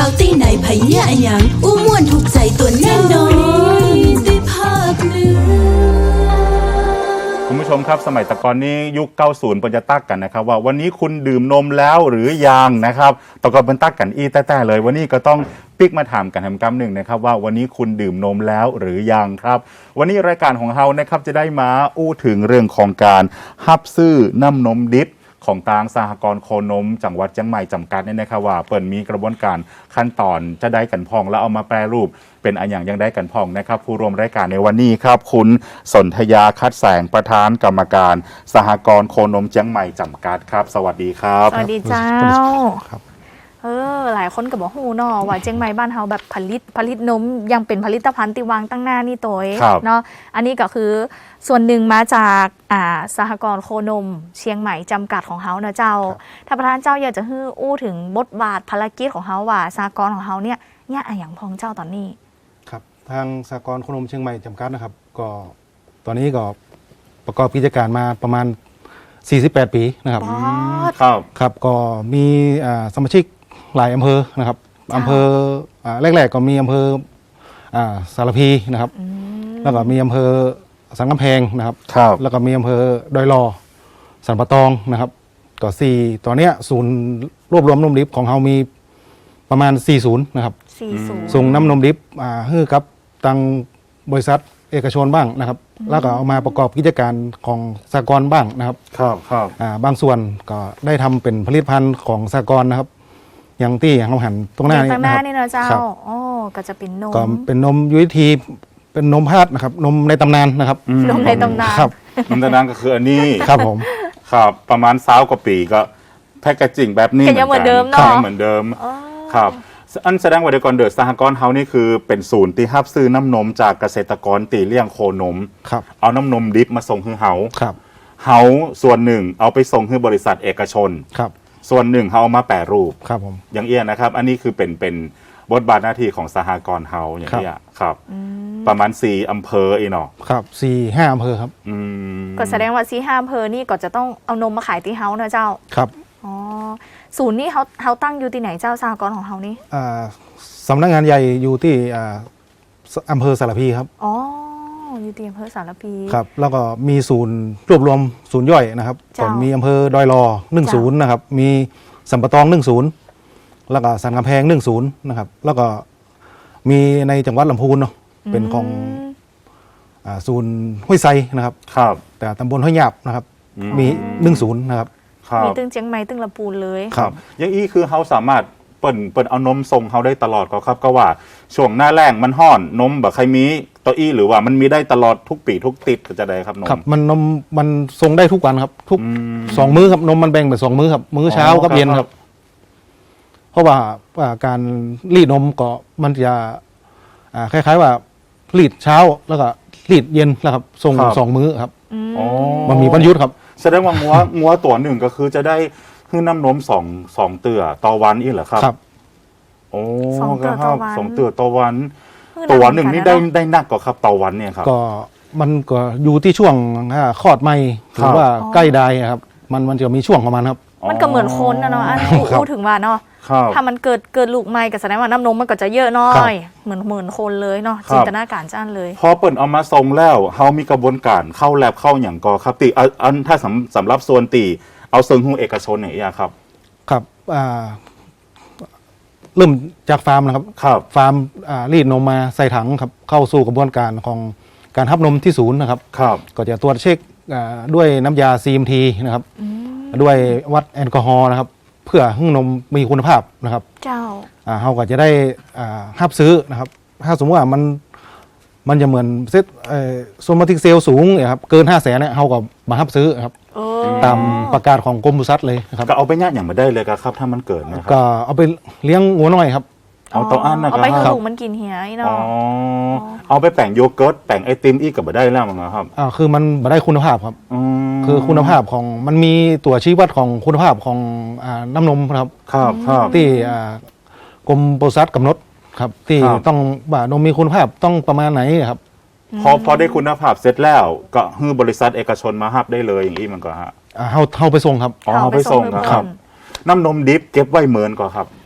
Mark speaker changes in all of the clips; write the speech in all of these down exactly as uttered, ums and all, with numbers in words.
Speaker 1: าวตีไหนไผเนี่ยอะหยังอู้ม่วนถูกใจตัวแน่นอนได้ภาคเหนือ
Speaker 2: คุณผู้ชมครับสมัยตะกอนนี้ยุคเก้าสิบเป็นจะตักกันนะครับว่าวันนี้คุณดื่มนมแล้วหรือยังนะครับตะกอนเป็นตักกันอีแต้ๆเลยวันนี้ก็ต้องปิกมาถามกันทำกำหนึ่งนะครับว่าวันนี้คุณดื่มนมแล้วหรือยังครับวันนี้รายการของเรานะครับจะได้มาอู้ถึงเรื่องของการฮับซื้อน้ำนมดิบของทางสหกรณ์โคนมจังหวัดเชียงใหม่จำกัดเนี่ยนะครับว่าเปิดมีกระบวนการขั้นตอนจะได้กันพองแล้วเอามาแปรรูปเป็นอันอย่างยังได้กันพองนะครับผู้ร่วมรายการในวันนี้ครับคุณสนธยาคัดแสงประธานกรรมการสหกรณ์โคนมเชียงใหม่จำกัดครับสวัสดีครับ
Speaker 3: สวัสดีเจ้า
Speaker 4: ครับ
Speaker 3: เออหลายคนก็บอกฮู้เนาะว่าเชียงใหม่บ้านเฮาแบบผลิตผลิตนมยังเป็นผลิตภัณฑ์ที่วางตั้งหน้านี่ตัวเองเนาะอันนี้ก็คือส่วนหนึ่งมาจากอ่าสหกรณ์โคนมเชียงใหม่จำกัดของเฮาเนาะเจ้าถ้าประธานเจ้าอยากจะฮื้ออู้ถึงบทบาทภารกิจของเฮาว่าสหกรณ์ของเฮาเนี่ยเนี่ยอะอย่างพองเจ้าตอนนี้
Speaker 4: ครับทางสหกรณ์โคนมเชียงใหม่จำกัดนะครับก็ตอนนี้ก็ประกอบกิจการมาประมาณสี่สิบแปดปีนะครับ
Speaker 2: ครับ
Speaker 4: ครับก็มีอ่าสมาชิกหลายอำเภอนะครับอำเภออ่าแรกๆก็มีอำเภออ่าสารพีนะครับแล้วก็มีอำเภอสันกำแพงนะครับแล้วก็มีอำเภอดอยลอสันปะตองนะครับก็สี่ตอนเนี้ยศูนย์รวบรวมนมดิบของเรามีประมาณสี่ศูนย์นะครับส่งน้ำนมดิบอ่าให้กับทางบริษัทเอกชนบ้างนะครับแล้วก็เอามาประกอบกิจการของสหกรณ์บ้างนะครับ
Speaker 2: ครับครับ
Speaker 4: อ่าบางส่วนก็ได้ทำเป็นผลิตภัณฑ์ของสหกรณ์นะครับอย่างที่เราหันตรงหน้านี้
Speaker 3: นะครับ
Speaker 4: นี่
Speaker 3: นะเจ้าอ๋อก็จะเป็นนม
Speaker 4: ก็เป็นนมยุทธีเป็นนมพาดนะครับนมในตำนานนะครับ
Speaker 3: นมในตำนาน
Speaker 4: ครับ
Speaker 2: นมในตำนานก็คืออันนี้
Speaker 4: ครับผม
Speaker 2: ครับประมาณสาวกว่าปีก็แพ็กเกจจิ้งแบบนี้
Speaker 3: เหมือนเดิมเนาะ
Speaker 2: เหมือนเดิมครับอันแสดงว่าเดี๋ยวก่อนเดือดสหกรณ์เฮานี่คือเป็นศูนย์ที่รับซื้อน้ำนมจากเกษตรกรตีเลี้ยงโคนม
Speaker 4: ครับ
Speaker 2: เอาน้ำนมดิบมาส่งให้เฮา
Speaker 4: ครับ
Speaker 2: เฮาส่วนหนึ่งเอาไปส่งให้บริษัทเอกชน
Speaker 4: ครับ
Speaker 2: ส่วนหนึ่งเฮาเอามาแปรรูป
Speaker 4: ครับผม
Speaker 2: อย่างเอี้ยนะครับอันนี้คือเป็นเป็นบทบาทหน้าที่ของสหกรณ์เฮาอย่างเอี้ยครับประมาณสี่อำเภออีเนาะ
Speaker 4: ครับสี่ห้าอำเภอครับ
Speaker 3: ก็แสดงว่าสี่ห้าอำเภอนี่ก็จะต้องเอานมมาขายที่เฮานะเจ้า
Speaker 4: ครับ
Speaker 3: อ๋อศูนย์นี้เขาเขาตั้งอยู่ที่ไหนเจ้าสหกรณ์ของเฮานี่
Speaker 4: อ่าสำนักงานใหญ่อยู่ที่อ่าอำเภอสารพีครับ
Speaker 3: อ๋ออยู่ที่อำเภอสารพี
Speaker 4: ครับแล้วก็มีศูนย์รวบรวมศูนย์ย่อยนะครับก็มีอำเภอดอยลอหนึ่งศูนย์นะครับมีสัมปะตองหนึ่งศูนย์แล้วก็สันกำแพงหนึ่งศูนย์นะครับแล้วก็มีในจังหวัดลำพูนเนาะเป็นของอ่าศูนย์ห้วยไซนะครับ
Speaker 2: ครับ
Speaker 4: แต่ตำบลห้วยหยาบนะครับมีหนึ่งศูนย์นะครับ
Speaker 3: มีตึงเชียงใหม่ตึงลำพูนเลย
Speaker 2: ครับอย่างอี้คือเขาสามารถเปิ่นเปิ่นเอานมส่งเขาได้ตลอดก็ครับก็ว่าช่วงหน้าแรงมันห่อนนมแบบใครมีตัวอี้หรือว่ามันมีได้ตลอดทุกปีทุกติดก็จะได้ครับนม
Speaker 4: ครับมันนมมันส่งได้ทุกวันครับทุกสองมื้อครับนมมันแบ่งเป็นสองมื้อครับมื้อเช้ากับเย็นครับเพราะว่าการรีดนมก็มันจะคล้ายๆว่ารีดเช้าแล้วก็รีดเย็นแล้วครับส่งสองมื้อครับมันมีบรรยุทธ์ครับ
Speaker 2: แสดงว่างัวงัวตัวหนึ่งก็คือจะได้คือน้ำนมสองสองเตื่อต่อวันอีกเหรอครับ
Speaker 4: ครับ
Speaker 2: โอ้ครับสองเตื่อต่อวันตัวหนึ่งนี่ได้ได้นักกว่าครับต่อวันเนี่ยครับ
Speaker 4: ก็มันก็อยู่ที่ช่วงคลอดใหม่หรือว่าใกล้ได้ครับมันมันจะมีช่วงประมาณครับ
Speaker 3: มันก็เหมือนคนนะเนาะอันนี้พูดถึงว่าเนาะถ้ามันเกิดเกิดลูกใหม่ก็แสดงว่าน้ำนมมันก็จะเยอะน้อยเหมือนเหมือนคนเลยเนาะจินตนาการจ้านเลย
Speaker 2: พอเปิดเอามาส่งแล้วเฮามีกระบวนการเข้าแลบเข้าอย่างกอครับตีอันถ้าสำสำหรับส่วนตีเอาเซิงหูเอกชนอย่างเงี้ยครับ
Speaker 4: ครับอ่าเริ่มจากฟาร์มนะครับ
Speaker 2: ครับ
Speaker 4: ฟาร์มอ่ารีดนมมาใส่ถังครับเข้าสู่กระบวนการของการทับนมที่ศูนย์นะครับ
Speaker 2: ครับ
Speaker 4: ก็จะตรวจเช็คด้วยน้ำยา ซี เอ็ม ที นะครับด้วยวัดแอลกอฮอล์นะครับเพื่อให้นมมีคุณภาพนะครับ
Speaker 3: เจ้า
Speaker 4: อ่าเราก็จะได้อ่ารับซื้อนะครับถ้าสมมติว่ามันมันจะเหมือนเซตโซมาติกเซลสูงเนี่ยครับเกินห้าแสนเนี่ยเราก็มารับซื้อครับตามประกาศของกรมปศุสัตว์เลยครับ
Speaker 2: ก็เอาไปย่างอย่างมาได้เลยครับถ้ามันเกิดนะครับ
Speaker 4: ก็เอาไปเลี้ยงงัวน้อยครับ
Speaker 2: เอาตัวอันนะครับเอา
Speaker 3: ไปให้ลูกมันกินเหี่ยเนาะ
Speaker 2: เอาไปแป่งโยเกิร์ตแป่งไอติมอีกกับมาได้แล้วมั้งครับ
Speaker 4: อ่าคือมันมาได้คุณภาพครับคือคุณภาพของมันมีตัวชี้วัดของคุณภาพของอ่าน้ำนมครับ
Speaker 2: ครับครับ
Speaker 4: ที่อ่ากรมปศุสัตว์กำหนดครับที่ต้องว่านมมีคุณภาพต้องประมาณไหนครับ
Speaker 2: พอพอได้คุณภาพเสร็จแล้วก็ให้บริษัทเอกชนมาฮับได้เลยอย่างนี้มันก็ฮะ
Speaker 4: อ่าเฮาเฮาไปส่งครับ
Speaker 2: อ๋อเฮาไปส่งครับน้ำนมดิบเก็บไว้เหมือนก็ครับ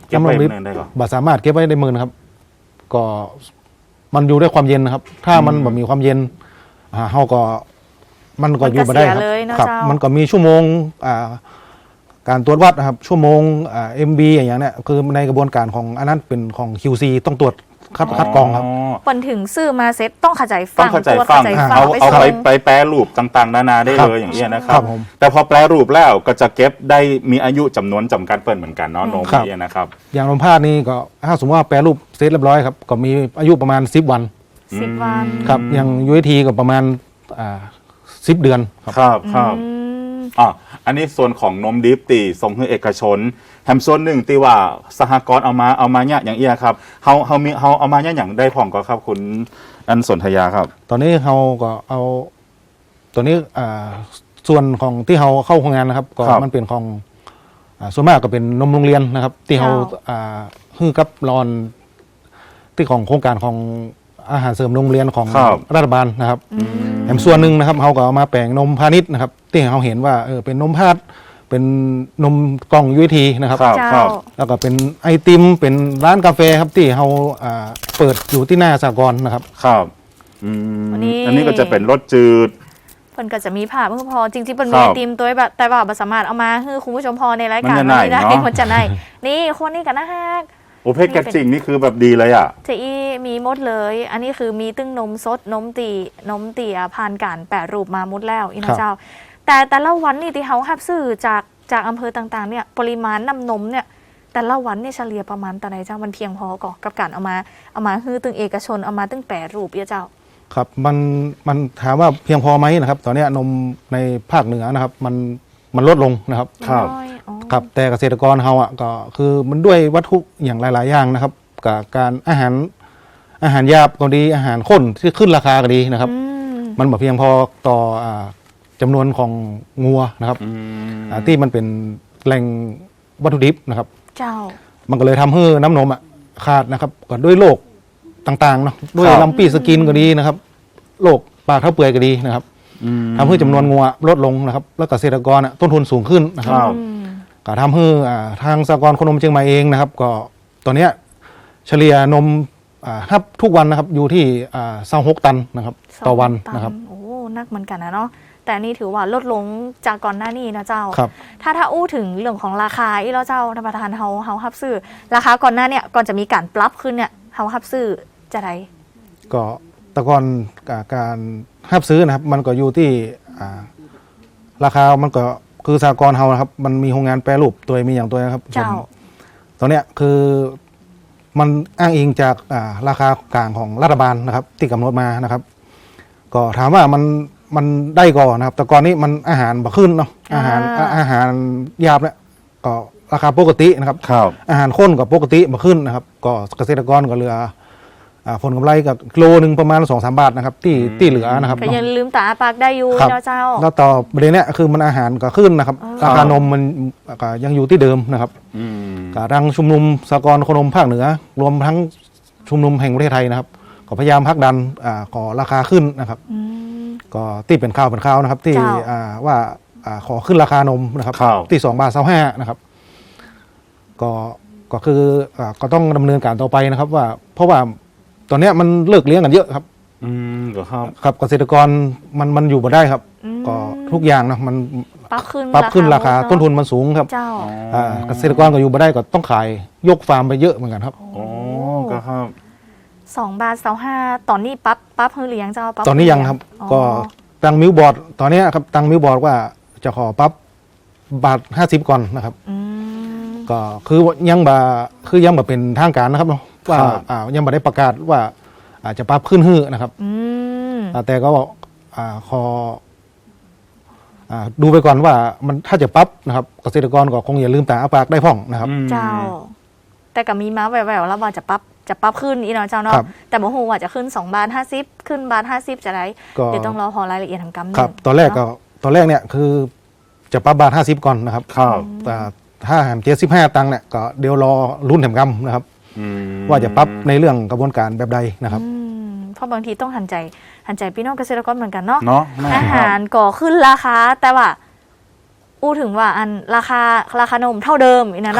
Speaker 2: เก็บไว้
Speaker 4: น้ำนมดิบ
Speaker 2: เนินได้ก่อน
Speaker 4: บ่สามารถเก็บไว้ในมือนะครับ ก็มันอยู่ด้วยความเย็นนะครับ ถ้ามันแบบมีความเย็นอ่าเฮาก็มันก็อยู่มาได้ครับ
Speaker 3: มันก็เสียเลยเนอะ
Speaker 4: ครับ
Speaker 3: เจ้ามั
Speaker 4: มันก็มีชั่วโมงอ่าการตรวจวัดนะครับ ชั่วโมงอ่า เอ็ม บี อย่างเงี้ยเนี่ยคือในกระบวนการของอันนั้นเป็นของ คิว ซี ต้องตรวจคัดคัดกรองครับ
Speaker 3: เปิ่นถึงซื้อมาเซ็ตต้องเข้าใจ
Speaker 2: ต้
Speaker 3: ฟั
Speaker 2: อง
Speaker 3: ง
Speaker 2: เข้าใจ
Speaker 3: ตรวจ
Speaker 2: ฟัง
Speaker 3: เข้าใจ
Speaker 2: เอา
Speaker 3: ไป
Speaker 2: เอา
Speaker 3: ส่
Speaker 2: ไป
Speaker 3: ง
Speaker 2: ไปแปรรูปต่างๆนานาได้
Speaker 4: ครับ
Speaker 2: เลยอย่างนี้ยนะค
Speaker 4: ค
Speaker 2: รั
Speaker 4: รับ บผม
Speaker 2: แต่พอแปรรูปแล้วก็จะเก็บได้มีอายุจำนวนจำกัดเปิดเหมือนกันเนาะนม
Speaker 4: ครับ
Speaker 2: เนี่ยนะครับ
Speaker 4: อย่างนมพาดนี่ก็ถ้าสมมติว่าแปรรูปเสร็จเรียบร้อยครับก็มีอายุประมาณสิบวัน
Speaker 3: สิบวัน
Speaker 4: ครับอย่าง ยู เอ ที ก็ประมาณอ่าสิบเดือนครับ
Speaker 2: ครับครับ
Speaker 3: อืม
Speaker 2: อ่ะอันนี้ส่วนของนมดิบตีส่งให้เอกชนแถมส่วนหนึ่งตีว่าสหกรณ์เอามาเอามาเนี่ยอย่างเอียครับเฮาเฮามีเฮาเอามาเนี่ยอย่างได้ผ่องก็ครับคุณอันสนธยาครับ
Speaker 4: ตอนนี้เราก็เอาตัวนี้อ่าส่วนของที่เราเข้าโครงงานนะครับ ก็
Speaker 2: ครับ
Speaker 4: มันเป็นของอ่าส่วนมากก็เป็นนมโรงเรียนนะครับ ที่เรา
Speaker 3: เจ้า
Speaker 4: อ่าฮือกับรอนที่ของโครงการของอาหารเสริมโรงเรียนของ
Speaker 2: ครับ
Speaker 4: รัฐบาลนะครับแถมส่วนหนึ่งนะครับเราก็เอามาแปลงนมพาณิชย์นะครับ ที่เราเห็นว่าเออเป็นนมพาดเป็นนมกล่อง ยู เอ ที นะครับ
Speaker 2: ครับ
Speaker 3: เจ้า
Speaker 2: ครับ
Speaker 4: แล้วก็เป็นไอติมเป็นร้านกาแฟครับที่เราอ่าเปิดอยู่ที่หน้าสหกรณ์นะครับ
Speaker 2: ครับอืม
Speaker 3: อันนี้
Speaker 2: อันนี้ก็จะเป็นรสจืด
Speaker 3: เพิ่นก็จะมีภาพเพิ่งพอจริงๆเพิ่น
Speaker 2: ครั
Speaker 3: มีไอบ ติมตัวแบบแต่ว่าบ่สามารถเอามาให้คุณผู้ชมพอในรายการ
Speaker 2: มันจะไหน
Speaker 3: นี้ได้
Speaker 2: เนอะ
Speaker 3: มันจะไหนนี่คนนี้กันนะฮะ
Speaker 2: โอเพชรแกจริงนี่คือแบบดีเลยอ่ะ
Speaker 3: เจอีมีหมดเลย อันนี้คือมีตึ้งนมสดนมตีนมตีอ่ะผ่านการแปรรูปมาหมดแล้วอี
Speaker 4: ครั
Speaker 3: นะ
Speaker 4: บ
Speaker 3: เจ้า แต่แต่ละวันนี่ที่เขาหับซื้อจากจากอำเภอต่างๆเนี่ยปริมาณน้ำนมเนี่ยแต่ละวันเนี่ยเฉลี่ยประมาณแต่ไหนเจ้ามันเพียงพอก่อกับการเอามาเอามาฮือตึงเอกชนเอามาตึงแปรรูปเอียเจ้า
Speaker 4: ครับมันมันถามว่าเพียงพอไหมนะครับ ตอนเนี้ยนมในภาคเหนือนะครับ มันมันลดลงนะครับ
Speaker 2: ครับ
Speaker 3: น้อยอ๋อ
Speaker 4: ครับแต่เกษตรกรเราอ่ะก็คือมันด้วยวัตถุอย่างหลาย ๆ อย่างนะครับกับการอาหารอาหารหยาบก็ดีอาหารข้นที่ขึ้นราคาก็ดีนะครับ
Speaker 3: อืม
Speaker 4: มันแบบเพียงพอต่ออ่าจำนวนของงัวนะครับ
Speaker 2: อืม
Speaker 4: อ่าที่มันเป็นแหล่งวัตถุดิบนะครับ
Speaker 3: เจ้า
Speaker 4: มันก็เลยทำให้น้ำนมอ่ะขาดนะครับก็ด้วยโรคต่างๆเนาะด้วย
Speaker 2: ครับ
Speaker 4: ลำปีสกินก็ดีนะครับโรคปากเท้าเปื่อยก็ดีนะครับ
Speaker 2: อืม
Speaker 4: ทำให้จำนวนงัวลดลงนะครับ แล้วเกษตรกรอ่ะต้นทุนสูงขึ้นนะครับ
Speaker 2: ครับ
Speaker 3: อืม
Speaker 4: ก็ทำให้อ่าทางสหกรณ์โคนมเชียงใหม่เองนะครับ ก็ตอนเนี้ยเฉลี่ยนมอ่าครับทุกวันนะครับอยู่ที่อ่าสองหกตันนะครับ ต่อวัน
Speaker 3: สง
Speaker 4: นะครับ
Speaker 3: โอ้นักเหมือนกันนะเนาะแต่นี่ถือว่าลดลงจากก่อนหน้านี้นะเจ้า
Speaker 4: ครับ
Speaker 3: ถ้าถ้าอู้ถึงเรื่องของราคาอีแล้วเจ้าท่านประธานเฮาเฮาฮับซื้อราคาก่อนหน้าเนี่ยก่อนจะมีการปรับขึ้นเนี่ยเฮาฮับซื้อจะไร
Speaker 4: ก็แตะกอนการห้ามซื้อนะครับ มันก็อยู่ที่อ่าราคามันก็คือสหกรณ์เฮานะครับ มันมีโรงงานแปรรูปตัวมีอย่างตัวนะครับ
Speaker 3: เจ้า
Speaker 4: ตอนเนี้ยคือมันอ้างอิงจากอ่าราคากลางของรัฐบาลนะครับ ที่กำหนดมานะครับ ก็ถามว่ามันมันได้ก่อนนะครับ แต่ก่อนนี้มันอาหารบ่ขึ้นเนาะอาหาร
Speaker 3: อ่า
Speaker 4: อาหารหยาบเนี่ยก็ราคาปกตินะครับ
Speaker 2: ครับ
Speaker 4: อาหารข้นกับปกติบ่ขึ้นนะครับ ก็เกษตรกรก็เหลืออ่าผลกำไรกับกิโลหนึ่งประมาณสองสามบาทนะครับ ที่ที่เหลือนะครับ
Speaker 3: ก็ยังลืมตาปากได้อยู่
Speaker 4: ครับ
Speaker 3: นะเจ้า
Speaker 4: แล้วต่อประเด็นเนี้ยคือมันอาหารก็ขึ้นนะครับ
Speaker 3: อ๋อ
Speaker 4: ราคานมมันก็ยังอยู่ที่เดิมนะครับ
Speaker 2: อืม
Speaker 4: กับทางชุมนุมสหกรณ์โคนมภาคเหนือ รวมทั้งชุมนุมแห่งประเทศไทยนะครับ ก็พยายามผลักดันอ่าขอราคาขึ้นนะครับ
Speaker 3: อืม
Speaker 4: ก็ที่เป็นข่าวเป็นข่าวนะครับ ที่
Speaker 3: เจ้า
Speaker 4: อ่าว่าอ่าขอขึ้นราคานมนะครับ
Speaker 2: ครับ
Speaker 4: ที่สองบาทเศร้าห้านะครับ ก็ก็คืออ่าก็ต้องดำเนินการต่อไปนะครับ ว่า เพราะว่าตอนเนี้ยมันเลิกเลี้ยงกันเยอะครับ
Speaker 2: อืมก็ครับ
Speaker 4: ครับเกษตรกรมันมันอยู่มาได้ครับ
Speaker 3: อืม
Speaker 4: ก็ทุกอย่างนะมัน
Speaker 3: ปรับขึ้น
Speaker 4: ปรับขึ้นราคา
Speaker 3: หมดเอะ
Speaker 4: ต้นทุนมันสูงครับ
Speaker 3: เจ้า
Speaker 4: อ่าเกษตรกรก็อยู่มาได้ก็ต้องขายยกฟาร์มไปเยอะเหมือนกันครับ
Speaker 2: โอ้ก็ครับ
Speaker 3: สองบาทเสาห้าตอนนี้ปั๊บปั๊บเฮือเลี้ยงเจ้าปั๊บ
Speaker 4: ตอนนี้ยังครับ
Speaker 3: อ๋อ
Speaker 4: ก็ตังมิวบอร์ดตอนเนี้ยครับตังมิวบอร์ดว่าจะขอปรับบาทห้าสิบก่อนนะครับ
Speaker 3: อืม
Speaker 4: ก็คือยังบ่คือยังบ่เป็นทางการนะครับเนาะว่า
Speaker 2: ครับ
Speaker 4: อ่ายังบ่ได้ประกาศว่าอาจจะปรับขึ้นฮื้อนะครับ
Speaker 3: อืม
Speaker 4: อ่าแต่ก็อ่าขออ่าดูไปก่อนว่ามันถ้าจะปรับนะครับ เกษตรกรก็คงอย่าลืมตาอ้าปากได้พ่องนะครับ
Speaker 2: อืม
Speaker 3: เจ้า แต่ก็มีมาแววๆแล้วว่าจะปรับจะปรับขึ้นอีกเนาะเจ้าเนาะ
Speaker 4: ครับ
Speaker 3: แต่บ่ฮู้ว่าจะขึ้นสองบาทห้าสิบขึ้นบาทห้าสิบจะไร
Speaker 4: ก็
Speaker 3: เดี๋ยวต้องรอพอรายละเอียดทางกำหนด
Speaker 4: ครับ ตอนแรกก็ตอนแรกเนี่ยคือจะปรับบาทห้าสิบก่อนนะครับ
Speaker 2: ครับ
Speaker 4: แต่ถ้าแหมเจ็ดสิบห้าตังค์เนี่ยก็เดี๋ยวรอรุ่นแถมกำนะครับ
Speaker 2: อืม
Speaker 4: ว่าจะปรับในเรื่องกระบวนการแบบใดนะครับ
Speaker 3: อืมเพราะบางทีต้องหันใจหันใจพี่น้องเกษตรกรเหมือนกันเนาะ
Speaker 2: เนาะแม่
Speaker 3: อา
Speaker 2: ครั
Speaker 3: หา
Speaker 2: บ
Speaker 3: รก่อขึ้นราคาแต่ว่า อู้ถึงว่าอันราคาราคานมเท่าเดิมอีกนะเนาะ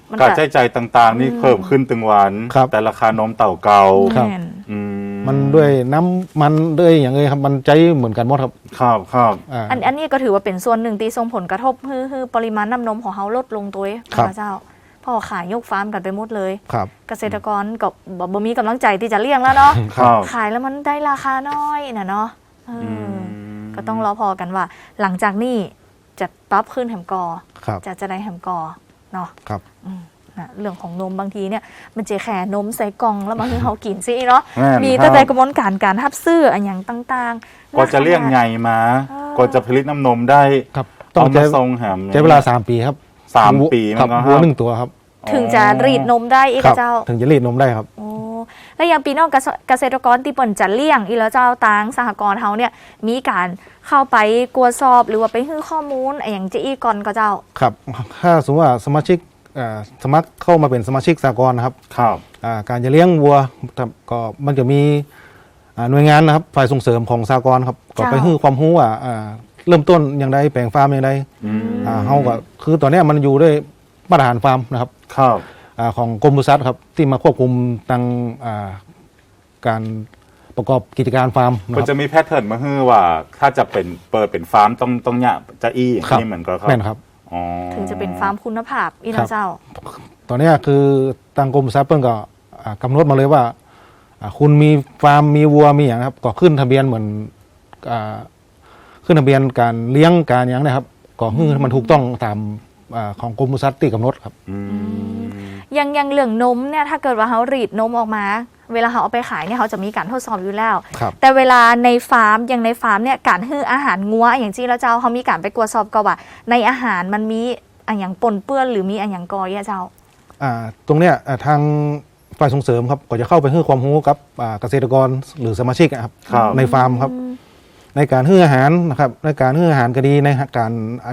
Speaker 3: มัน
Speaker 2: การใช้จ่ายต่างๆ นี่เพิ่มขึ้นตึงวัน
Speaker 4: ครับ
Speaker 2: แต่ราคานมเต่าเก่า
Speaker 4: ครับ
Speaker 3: แม่น
Speaker 2: อืม
Speaker 4: มันด้วยน้ำมันด้วยอย่างเงี้ยครับมันใจเหมือนกันหมดครับ
Speaker 2: ครับครับ
Speaker 4: อ่า
Speaker 3: อันอันนี้ก็ถือว่าเป็นส่วนหนึ่งที่ส่งผลกระทบให้ให้ปริมาณน้ำนมของเขาลดลงตัวเอง
Speaker 4: ครับ
Speaker 3: พระเจ้าพ่อขายยกฟาร์มกันไปหมดเลย
Speaker 4: ครับ
Speaker 3: เกษตรกรก็บ่บ่มีกำลังใจที่จะเลี้ยงแล้วเนาะ
Speaker 2: ครับ
Speaker 3: ขายแล้วมันได้ราคาน้อยนะเนาะเอออก็ต้องรอพอกันว่า หลังจากนี้จะปรับขึ้นแหมกอ
Speaker 4: ครับ
Speaker 3: จะจะได้แหมกอเนาะ
Speaker 4: ครับ
Speaker 3: อืมนะเรื่องของนมบางทีเนี่ยมันจะแค่นมใส่กล่องแล้วบางทีเขากินซิเนาะ
Speaker 2: แม่น
Speaker 3: มี
Speaker 2: ครับ
Speaker 3: แต่แต่กระบวนการการทับซื้ออันอย่างต่างๆ
Speaker 2: กว่าจะเลี้ยงไงมา
Speaker 3: เออ
Speaker 2: กว่าจะผลิตน้ำนมได้
Speaker 4: ครับต้อ
Speaker 2: เอา
Speaker 4: ง
Speaker 2: มา
Speaker 4: ใช้
Speaker 2: ทรงแหม
Speaker 4: ใช้เวลาสามปีครับ
Speaker 2: สามปี
Speaker 4: ครั
Speaker 2: มันก็
Speaker 4: วัวหนึ่งตัวครับ
Speaker 3: ถึงจะรีดนมได้อีก
Speaker 4: ครับ
Speaker 3: เจ้า
Speaker 4: ถึงจะรีดนมได้ครับ
Speaker 3: โอ้แล้วอย่างปีนอกเกษเกษตรกรที่เปิ่นจะเลี้ยงอีแล้วเจ้าตางสหกรณ์เฮาเนี่ยมีการเข้าไปกวดสอบหรือว่าไปให้ข้อมูลอะไรอย่างเจอีก่อนก็เจ้า
Speaker 4: ครับถ้าสมมติว่าสมาชิกอ่าสมัครเข้ามาเป็นสมาชิกสหกรณ์นะครับ
Speaker 2: ครับ
Speaker 4: อ่าการจะเลี้ยงวัวครับก็มันจะมีอ่าหน่วยงานนะครับฝ่ายส่งเสริมของสหกรณ์ครับก็ไป
Speaker 3: เจ้า
Speaker 4: ให้ความรู้ว่าอ่าเริ่มต้นอย่างไรแปลงฟาร์มอย่างไร
Speaker 2: อืม
Speaker 4: อ่าเฮาก็คือตอนเนี้ยมันอยู่ด้วยมาตรฐานฟาร์มนะครับ
Speaker 2: ครับ
Speaker 4: อาของกรมปศุสัตว์ครับที่มาควบคุมตังอ่าการประกอบกิจการฟาร์มนะ
Speaker 2: มัน
Speaker 4: ค
Speaker 2: จะ
Speaker 4: รับ
Speaker 2: มีแพทเทิร์นมาฮือว่า ถ้าจะเป็นเปิดเป็นฟาร์มต้องต้องเนี่ยจะอี้อย่าง
Speaker 4: ครับ
Speaker 2: นี้เหมือนกันครับ
Speaker 4: แม่นครับ
Speaker 2: อ๋อ
Speaker 3: ถึงจะเป็นฟาร์มคุณภาพอี
Speaker 4: ครั
Speaker 3: นะ
Speaker 4: บ
Speaker 3: เจ้า
Speaker 4: ตอนเนี้ยคือทางกรมปศุสัตว์เพิ่งก็อ่ากำหนดมาเลยว่าอ่าคุณมีฟาร์มมีวัวมีอย่างครับก็ขึ้นทะเบียนเหมือนอ่าขึ้นทะเบียนการเลี้ยงการอย่างเนะครับก็คือมันถูกต้องตามอ่าของกรมปศุสัตว์ที่กำหนดครับ
Speaker 2: อืม
Speaker 3: ยังยังเหลืองนมเนี่ยถ้าเกิดว่าเขารีดนมออกมา เวลาเขาเอาไปขายเนี่ยเขาจะมีการทดสอบอยู่แล้ว
Speaker 4: ครับ
Speaker 3: แต่เวลาในฟาร์มอย่างในฟาร์มเนี่ยการให้อาหารงัวอย่างที่แล้วเจ้าเขามีการไปกวดสอบก็ว่า ในอาหารมันมีอันอย่างปนเปื้อนหรือมีอันอย่างกอยอะเจ้า
Speaker 4: อ่าตรงเนี้ยอ่าทางฝ่ายส่งเสริมครับก็จะเข้าไปให้ความรู้กับอ่าเกษตรกรหรือสมาชิกอะครับ
Speaker 2: ครับ
Speaker 4: ในฟาร์มครับ ในการให้อาหารนะครับในการให้อาหารก็ดีในการไอ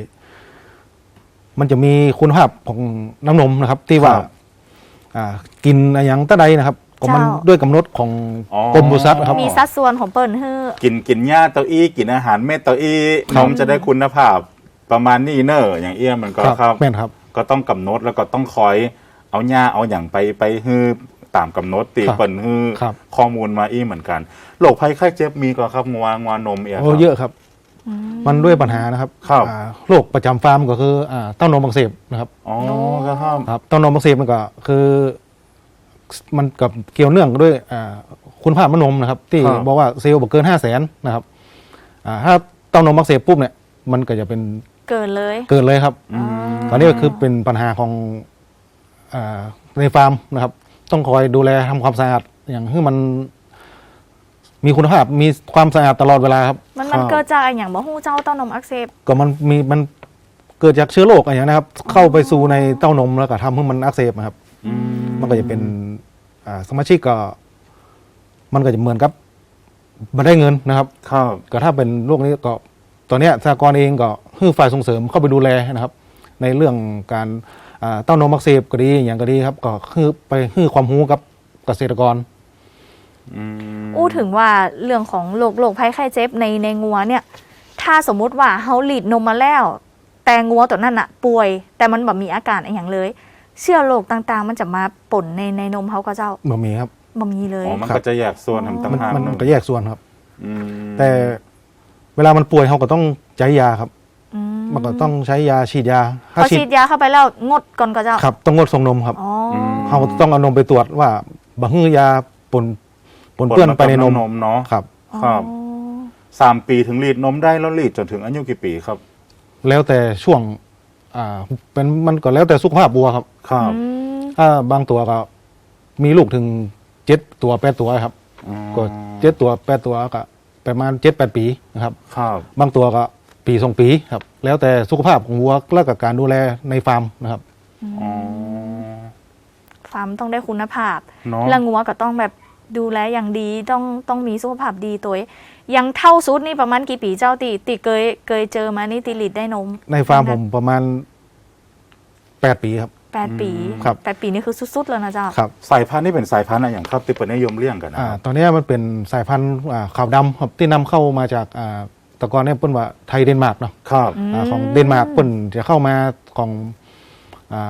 Speaker 4: มันจะมีคุณภาพของน้ำนมนะครับ ที่ว่า
Speaker 2: ครับ
Speaker 4: อ่ากินอะไรอย่างตะใดนะครับก็มัน
Speaker 3: เจ้า
Speaker 4: ด้วยกำหนดของ
Speaker 2: อ๋อ
Speaker 4: กรมปศุสัตว์ครับ
Speaker 3: มีสัดส่วนของเปิ้ลฮื้อ
Speaker 2: กินกินหญ้าเต้าอี้กินอาหารเม็ดเต้าอี้นมจะได้คุณภาพประมาณนี้เนอะอย่างเอี้ยมันก็ครับ
Speaker 4: แม่นครับ
Speaker 2: ก็ต้องกำหนดแล้วก็ต้องคอยเอาหญ้าเอาอย่างไปไปฮื้อตามกำหนดตี
Speaker 4: ครับ
Speaker 2: เปิ่นฮื้อ
Speaker 4: ครับ
Speaker 2: ข้อมูลมาอี้เหมือนกันโรคภัยไข้เจ็บมีก็ครับงัวงัวนมเอี้ย
Speaker 4: โอ้
Speaker 2: ครับ
Speaker 4: เยอะครับ มันด้วยปัญหานะครับ
Speaker 2: ครับ
Speaker 4: อ่าโรคประจำฟาร์มก็คืออ่าเต้านมอักเสบนะครับ
Speaker 2: อ๋อครับ
Speaker 4: ครับเต้านมอักเสบมันก็คือ มันกับเกี่ยวเนื่องด้วยอ่าคุณภาพมะนมนะครับ ที่
Speaker 2: ครับ
Speaker 4: บอกว่าเซลล์บอกเกินห้าแสนนะครับอ่าถ้าเต้านมอักเสบปุ๊บเนี่ยมันก็จะเป็น
Speaker 3: เกินเลย
Speaker 4: เกิดเลยครับ
Speaker 2: อืม
Speaker 4: ตอนนี้ก็คือเป็นปัญหาของอาในฟาร์มนะครับ ต้องคอยดูแลทำความสะอาดอย่างให้มันมีคุณภาพมีความสะอาดตลอดเวลาครับ
Speaker 3: มันมันเกิดจากอันอย่างบ่ฮู้เจ้าเต้านมอักเสบ
Speaker 4: ก็มันมีมันเกิดจากเชื้อโรคอะไรอย่างนี้นะครับ เข้าไปสู่ในเต้านมแล้วก็ทำให้มันอักเสบนะครับ
Speaker 2: อืม
Speaker 4: มันก็จะเป็นอ่าสมาชิกก็ มันก็จะเหมือนกับมาได้เงินนะครับ
Speaker 2: ครับ
Speaker 4: ก็ถ้าเป็นโรคนี้ก็ตอนเนี้ยสหกรณ์เองก็คือฝ่ายส่งเสริมเข้าไปดูแลนะครับ ในเรื่องการอ่าเต้านมอักเสบก็ดีอย่างก็ดีครับ ก็คือไปให้ความรู้กับเกษตรกร
Speaker 2: อืม
Speaker 3: อู้ถึงว่าเรื่องของโรคโรคภัยไข้เจ็บในในงัวเนี่ย ถ้าสมมุติว่าเขาหลีดนมมาแล้ว แต่งัวตัวนั้นอะป่วย แต่มันแบบมีอาการอะไรอย่างเลย เชื้อโรคต่างๆ มันจะมาปนในในนมเขาก็เจ้า
Speaker 4: บ่มีครับ
Speaker 3: บ่มีเลย
Speaker 2: อ๋อมัน
Speaker 4: ครับ
Speaker 2: ก็จะแยกส่วนทำต่าง
Speaker 4: มัน
Speaker 2: หาก
Speaker 4: มัน
Speaker 2: เนอะ
Speaker 4: ก็แยกส่วนครับ
Speaker 2: อืม
Speaker 4: แต่เวลามันป่วยเขาก็ต้องใช้ยาครับ
Speaker 3: อืม
Speaker 4: มันก็ต้องใช้ยาฉีดยา
Speaker 3: พอฉีดยาเข้าไปแล้วงดก่อนก็เจ้า
Speaker 4: ครับ ต้องงดส่งนมครับ
Speaker 3: อ๋ออ
Speaker 4: เขาต้องเอานมไปตรวจว่าบางยาปนปนเปื้อนไปในนม
Speaker 2: นมเนาะ
Speaker 4: ครับ
Speaker 2: ครับ
Speaker 3: อ๋อ
Speaker 2: สามปีถึงรีดนมได้แล้วรีดจนถึงอายุกี่ปีครับ
Speaker 4: แล้วแต่ช่วง อ่า เป็นมันก็แล้วแต่สุขภาพวัวครับ
Speaker 2: ครับ
Speaker 3: อืม
Speaker 4: ถ้าบางตัวก็มีลูกถึงเจ็ดตัวแปดตัวครับ ก็เจ็ดตัวแปดตัวก็ประมาณเจ็ดแปดปีนะครับ
Speaker 2: ครับ
Speaker 4: บางตัวก็ปีสองปีครับ แล้วแต่สุขภาพของวัวและกับการดูแลในฟาร์มนะครับ
Speaker 2: อ๋อ
Speaker 3: ฟาร์มต้องได้คุณภาพ
Speaker 2: เนาะ
Speaker 3: แล้วงัวก็ต้องแบบดูแลอย่างดีต้องต้องมีสุขภาพดีตัวเองยังเท่าสุดนี่ประมาณกี่ปีเจ้าติติเคยเคยเจอมานี่ติลิดได้นม
Speaker 4: ในฟาร์มผมประมาณแปดปีครับ
Speaker 3: แปดปี
Speaker 4: ครับ
Speaker 3: แปดปีนี่คือสุดๆแล้วนะเจ้า
Speaker 4: ครับ
Speaker 2: สายพันธุ์นี่เป็นสายพันธุ์อะไรอย่างครับที่เป็นนิยมเลี้ยงกันนะ
Speaker 4: อ่า
Speaker 2: ครับ
Speaker 4: ตอนนี้มันเป็นสายพันธุ์อ่าขาวดำครับที่นำเข้ามาจากอ่าแตะกอนเนี่ยเปิ้นว่าไทยเดนมาร์กเนาะ
Speaker 2: ครับ
Speaker 4: อ่าของเดนมาร์กเปิ้นจะเข้ามาของอ่า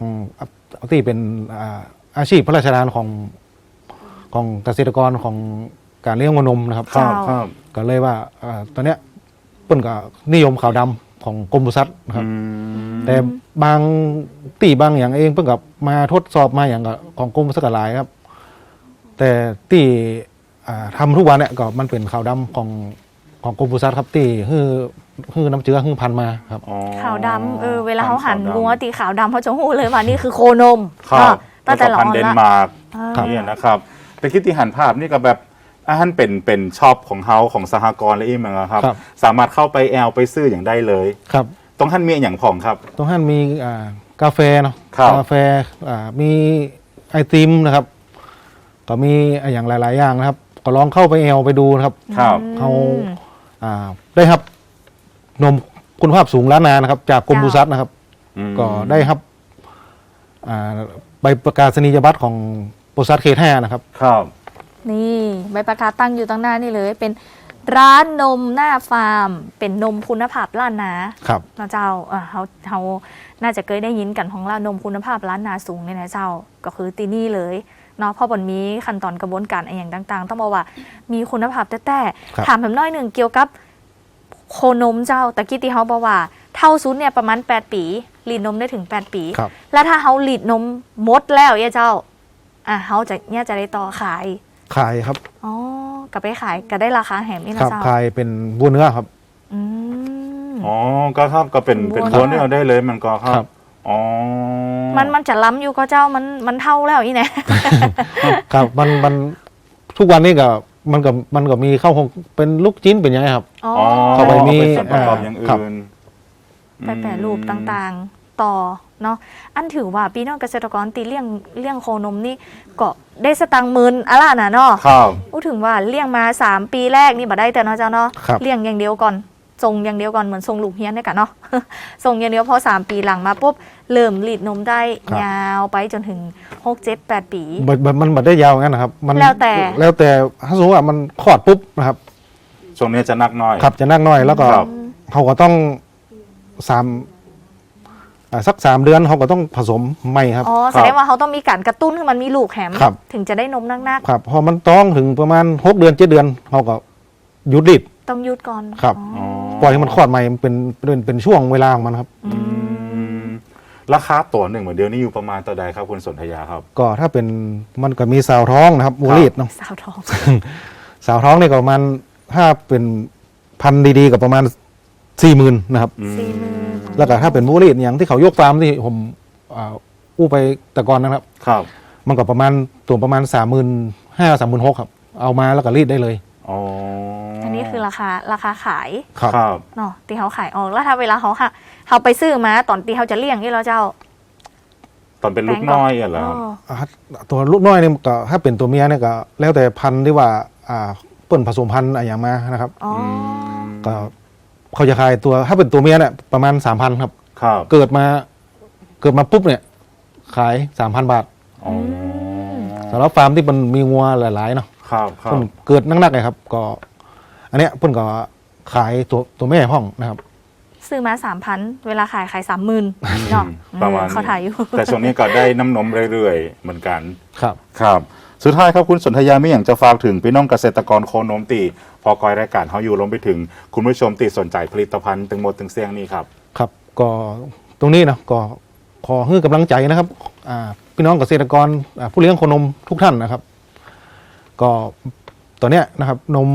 Speaker 4: ของเอาที่เป็นอ่าอาชีพพระราชทานของของเกษตรกรของการเลี้ยงวัวนมนะครับ
Speaker 2: ครับครับ
Speaker 4: ก็เลยว่าอ่าตอนเนี้ยเปิ้นก็นิยมขาวดำของกรมปศุสัตว์นะครับ
Speaker 2: อืม
Speaker 4: แต่บางตีบางอย่างเองเพิ่งกับมาทดสอบมาอย่างกับของกรมปศุสัตว์หลายครับ แต่ตีอ่าทำทุกวันเนี่ยก็มันเป็นขาวดำของของกรมปศุสัตว์ครับตีฮือฮือน้ำเชื้อฮือพันธุ์มาครับ
Speaker 2: อ๋อ
Speaker 3: ขาวดำเออเวลาเขาหั่น
Speaker 2: ขวดำ
Speaker 3: งัวตีขาวดำเขาจะหูเลยว่านี่คือโคนม
Speaker 2: ครับ
Speaker 3: เนาะตั้งแต่
Speaker 2: แล้ว
Speaker 3: ละ
Speaker 2: ก็พัน
Speaker 3: อ่อน
Speaker 2: ธุ์เดน
Speaker 3: ละ
Speaker 2: มาร์ก
Speaker 3: อ่า
Speaker 2: เนี่ยนะครับ แต่คิดที่หันภาพนี่ก็แบบอาหารเป็นเป็นช็อปของเฮาของสหกรณ์และอีกมั้งครับ
Speaker 4: ครับ
Speaker 2: สามารถเข้าไปแอลไปซื้ออย่างได้เลย
Speaker 4: ครับ
Speaker 2: ต้องหันมีอย่างผ่องครับ
Speaker 4: ตรงนั้นมีอ่ากาแฟเนาะ
Speaker 2: ครับ
Speaker 4: กาแฟอ่ามีไอติมนะครับ ก็มีอย่างหลาย ๆ อย่างนะครับ ก็ลองเข้าไปแอลไปดูนะครับ
Speaker 2: ครับ
Speaker 4: เขาอ่าได้ครับนมคุณภาพสูงล้านนานะครับ จากกรมปศุสัตว์นะครับ
Speaker 2: อืม
Speaker 4: ก็ได้ครับอ่าใบประกาศนียบัตรของปศุสัตว์เขตห้านะครับ
Speaker 2: ครับ
Speaker 3: นี่ใบประกาศตั้งอยู่ตั้งหน้านี่เลย เป็นร้านนมหน้าฟาร์ม เป็นนมคุณภาพล้านนา
Speaker 4: ครับ
Speaker 3: เนาะเจ้าเออเขาเขาน่าจะเคยได้ยินกันของร้านนมคุณภาพล้านนาสูงเนี่ยนะเจ้าก็คือตีนี่เลยเนาะเพราะบนมีขั้นตอนกระบวนการอะไรอย่างต่างๆ ต้องบอกว่ามีคุณภาพแต่แต่
Speaker 4: ครับ
Speaker 3: ถามผมน้อยหนึ่งเกี่ยวกับโคนมเจ้าตะกี้ที่เขาบอกว่าเท่าซุดเนี่ยประมาณแปดปีรีดนมได้ถึงแปดปี
Speaker 4: ครับ
Speaker 3: แล้วถ้าเขารีดนมหมดแล้วเนี่ยเจ้าอ่ะเขาจะเนี่ยจะได้ต่อขาย
Speaker 4: ขายครับ
Speaker 3: อ๋อก็ไปขายก็ได้ราคาแหมนี่
Speaker 4: ค
Speaker 3: นะ
Speaker 4: รับ
Speaker 3: เจ้า
Speaker 4: ขายเป็นบัวเนื้อครับ
Speaker 3: อืม
Speaker 2: อ๋อ ก็ครับ ก็เป็น เป็น
Speaker 3: บัว
Speaker 2: ล้วนที่เราได้เลยมันก็ครั
Speaker 4: ครับ บ
Speaker 2: อ๋อ
Speaker 3: มันมันจะล้ำอยู่ก็เจ้ามันมันเท่าแล้วอีเนี่ย
Speaker 4: ครับมันมันทุกวันนี้ก็มันก็มันก็มีเข้าคงเป็นลูกจิ้นเป็นยังไงครับ
Speaker 3: อ๋อ
Speaker 2: อ๋อ
Speaker 4: เข้าไปมี
Speaker 2: เป็นส่วนประกอบอย่าง
Speaker 4: ครับ
Speaker 2: อื่น
Speaker 3: ไปแปรรูปต่างๆ ต่อเนาะอันถือว่าพี่น้องเกษตรกรตีเลี้ยงเลี้ยงโคนมนี่ก็ได้สตังค์หมื่นอะไรนะเนาะ
Speaker 2: ครับ
Speaker 3: พูดถึงว่าเลี้ยงมาสามปีแรกนี่บ่ได้แต่เนาะเจ้าเนาะ
Speaker 4: ครับ
Speaker 3: เลี้ยงอย่างเดียวก่อนส่งอย่างเดียวก่อนเหมือนส่งลูกเฮียนเนี่ยกันเนาะ ส่งอย่างเดียวพอสามปีหลังมาปุ๊บเริ่มรีดนมได้
Speaker 4: ครับ
Speaker 3: ยาวไปจนถึงหกเจ็ดแปดปี
Speaker 4: มันมันมันมันได้ยาวงั้นนะครับ มัน
Speaker 3: แล้วแต่
Speaker 4: แล้วแต่ถ้าสมมติว่ามันคลอดปุ๊บนะครับ
Speaker 2: ช่วงนี้จะนักน้อย
Speaker 4: ครับจะนั่งน้อยแล้วก็
Speaker 2: ครับ
Speaker 4: เขาก็ต้องสามอ่าสักสามเดือนเขาก็ต้องผสมใหม่ครับ
Speaker 3: อ๋อแสดงว่าเขาต้องมีการกระตุ้นให้มันมีลูกแหม
Speaker 4: ครับ
Speaker 3: ถึงจะได้นมนัก
Speaker 4: ครับพอมันต้องถึงประมาณหกเดือนเจ็ดเดือนเขาก็หยุดรีด
Speaker 3: ๆต้องหยุดก่อน
Speaker 4: ครับ
Speaker 3: อ๋อ
Speaker 4: ปล่อยให้มันคลอดใหม่มันเป็นเป็นเป็นช่วงเวลาของมันครับ
Speaker 3: อืม
Speaker 2: ราคาตัวหนึ่งเหมือนเดียวนี้อยู่ประมาณต่อใดครับคุณสนธยาครับ
Speaker 4: ก็ถ้าเป็นมันก็มีสาวท้องนะครับวัวรีดเนาะ
Speaker 3: สาวทอง
Speaker 4: สาวท้องเนี่ยก็ประมาณถ้าเป็นพันธุ์ดีๆก็ประมาณสี่หมื่นนะครับ
Speaker 3: สี่หมื่น
Speaker 4: แล้วก็ถ้าเป็นวัวรีดอย่างที่เขายกฟาร์มที่ผมอ่าอู้ไปแต่ก่อนนะครับ
Speaker 2: ครับ
Speaker 4: มันก็ประมาณตัวประมาณสามหมื่นห้าสามหมื่นหกครับ เอามาแล้วก็รีดได้เลย
Speaker 2: อ๋อ
Speaker 3: อันนี้คือราคาราคาขาย
Speaker 4: ครับ
Speaker 2: ครับ
Speaker 3: เนาะที่เขาขายออกแล้วถ้าเวลาเขาค่ะเขาไปซื้อมาตอนที่เขาจะเลี้ยงนี่เราเจ้า
Speaker 2: ตอนเป็นลูกน้อยอ่ะเหรอครับ
Speaker 3: อ๋อ
Speaker 4: อ่าตัวลูกน้อยเนี่ยก็ถ้าเป็นตัวเมียเนี่ยก็แล้วแต่พันธุ์ที่ว่าอ่าเปิ้นผสมพันธุ์อะไรอย่างมานะครับ
Speaker 3: อ๋อ
Speaker 4: ก็เขาจะขายตัวถ้าเป็นตัวเมียเนี่ยประมาณสามพันครับ
Speaker 2: ครับ
Speaker 4: เกิดมาเกิดมาปุ๊บเนี่ยขายสามพันบาท
Speaker 2: อ๋อ
Speaker 4: สำหรับฟาร์มที่มันมีงัวหลายๆเนาะ
Speaker 2: ครับครั
Speaker 4: เพิ่
Speaker 2: บ
Speaker 4: นเกิดนักๆเลยครับ ก็ อันเนี้ยเพิ่นก็ขายตัวตัวแม่ห้องนะครับ
Speaker 3: ซื้อมาสามพันเวลาขายขายสามหมื่นเนาะ
Speaker 2: ประมาณ
Speaker 3: เออเขาถ่ายอยู่
Speaker 2: แต่ช่วงนี้ก็ได้น้ำนมเรื่อยๆ เหมือนกัน
Speaker 4: ครับ
Speaker 2: ครับ สุดท้ายครับคุณสนธยาไม่อย่างจะฝากถึงพี่น้องเกษตรกรโคนมตี พอกอยรายการเขาอยู่ลงไปถึง คุณผู้ชมตีสนใจผลิตภัณฑ์ตึงหมดตึงเสียงนี้ครับ
Speaker 4: ครับก็ตรงนี้นะก็ขอให้กำลังใจนะครับอ่าพี่น้องเกษตรกรอ่าผู้เลี้ยงโคนมทุกท่านนะครับ ก็ตอนเนี้ยนะครับ นม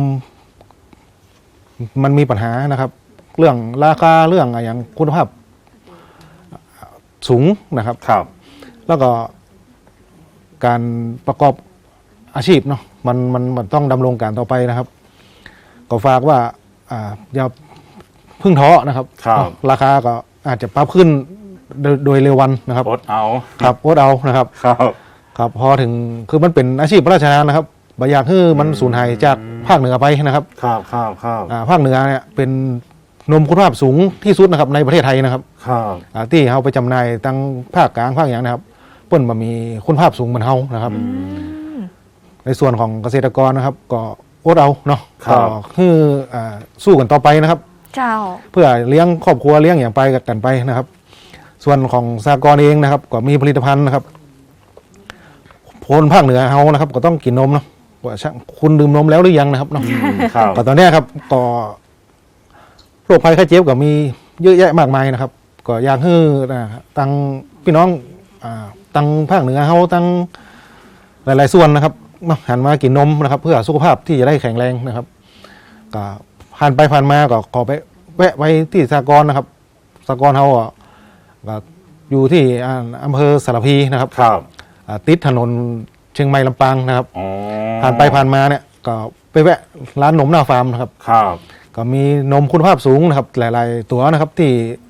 Speaker 4: มันมีปัญหานะครับ เรื่องราคาเรื่องอะไรอย่างคุณภาพสูงนะครับ
Speaker 2: ครับ
Speaker 4: แล้วก็การประกอบอาชีพเนาะมันมันมันต้องดำรงการต่อไปนะครับ ก็ฝากว่าอ่าอย่าเพึ่งท้อนะครับ
Speaker 2: ครับ
Speaker 4: เนาะราคาก็อาจจะปรับขึ้นโดยโดยเร็ววันนะครับ
Speaker 2: อดเอา
Speaker 4: ครับอดเอานะครับ
Speaker 2: ครับ
Speaker 4: ครับพอถึงคือมันเป็นอาชีพพระราชทานนะครับบอยากให้มันสูญหายจากภาคเหนือไปนะครับ
Speaker 2: ครับครับครับ
Speaker 4: อ่าภาคเหนือเนี่ยเป็นนมคุณภาพสูงที่สุดนะครับในประเทศไทยนะครับ
Speaker 2: ครับ
Speaker 4: อ่าที่เขาไปจำหน่ายตั้งภาคกลางภาคอย่างนะครับเปิ้นมามีคุณภาพสูงเหมือนเฮานะครับ ในส่วนของเกษตรกรนะครับ ก็อดเอาเนาะก็คืออ่าสู้กันต่อไปนะครับ
Speaker 3: เจ้า
Speaker 4: เพื่อเลี้ยงครอบครัวเลี้ยงอย่างไปกันไปนะครับส่วนของสหกรณ์เองนะครับก็มีผลิตภัณฑ์นะครับคนภาคเหนือเฮานะครับก็ต้องกินนมเนาะว่าคุณดื่มนมแล้วหรือยังนะครับเนาะ
Speaker 2: ครับ
Speaker 4: ก็ตอนเนี้ยครับก็โรคภัยไข้เจ็บก็มีเยอะแยะมากมายนะครับ ก็อยากให้นะตังพี่น้องอ่าตังภาคเหนือเฮาตังหลายๆส่วนนะครับมาหันมากินนมนะครับ เพื่อสุขภาพที่จะได้แข็งแรงนะครับก็ผ่านไปผ่านมาก็ขอไปแวะไปที่สหกรณ์นะครับสหกรณ์เฮาอ่ะก็อยู่ที่อ่าอำเภอสารพีนะครับ
Speaker 2: ครับ
Speaker 4: อ่าติดถนนเชียงใหม่ลำปางนะครับ
Speaker 2: อ๋อ
Speaker 4: ผ่านไปผ่านมาเนี่ยก็ไปแวะร้านนมหน้าฟาร์มนะครับ
Speaker 2: ครับ
Speaker 4: ก็มีนมคุณภาพสูงนะครับ หลาย ๆ ตัวนะครับที่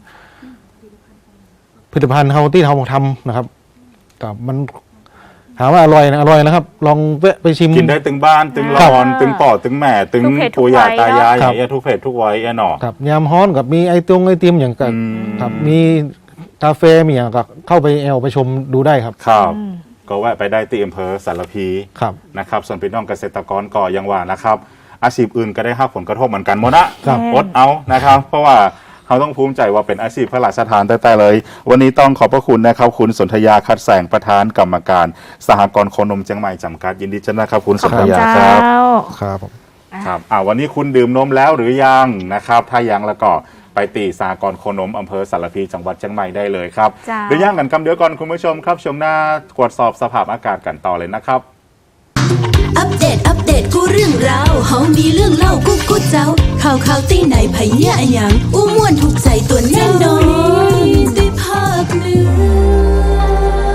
Speaker 4: ผลิตภัณฑ์เฮาที่เราทำนะครับก็มันถามว่าอร่อยนะอร่อยนะครับ ลองแวะไปชิม
Speaker 2: กินได้ตึงบ้านตึง
Speaker 3: ครับ
Speaker 2: รอนตึงป่อตึงแม่ตึง
Speaker 3: ทุกเพศทุก
Speaker 2: ปู่ย่า
Speaker 3: วัย
Speaker 2: ตายาย
Speaker 3: เนอะ
Speaker 2: อย่างเงี้ยทุกเพศทุกวัยแน่นอน
Speaker 4: ครับยามฮ้อนกับมีไอตงไอติมอย่างกับ
Speaker 2: อืม
Speaker 4: ครับมีกาแฟมีอย่างกับเข้าไปแอลไปชมดูได้ครับ
Speaker 2: ครับ
Speaker 3: อืม
Speaker 2: ก็แวะไปได้ที่อำเภอสารพี
Speaker 4: ครับ
Speaker 2: นะครับส่วนพี่น้องเกษตรกรก็ยังว่านะครับ อาชีพอื่นก็ได้รับผลกระทบเหมือนกันหมดนะครับ อดเอานะครับ เพราะว่าเขาต้องภูมิใจว่าเป็นอาชีพพระราชทานแต่ๆเลย วันนี้ต้องขอบพระคุณนะครับ คุณสนธยาคัดแสงประธานกรรมการสหกรณ์โคนมเชียงใหม่จำกัดยินดีจ้านะครับ คุณสนธยาค
Speaker 3: เจ้า
Speaker 2: รับ
Speaker 4: ครับผม
Speaker 2: ครับอ่าวันนี้คุณดื่มนมแล้วหรือยังนะครับ ถ้ายังแล้วก็ไปตีสหกรณ์โคนมอำเภอสารพีจังหวัดเชียงใหม่ได้เลยครับ
Speaker 3: จ้า
Speaker 2: หรือยังกันคำเดียวก่อนคุณผู้ชมครับชมหน้าตรวจสอบสภาพอากาศกันต่อเลยนะครับ
Speaker 1: อัปเดต อัปเดต กูเรื่องราวเฮามีเรื่องเล่ากูกูเจ้า ข่าวข่าวตีไหนไผเหี้ยอะหยังอู้ม่วนถูกใจตัวแน่นอนได้ภาคหนึ่ง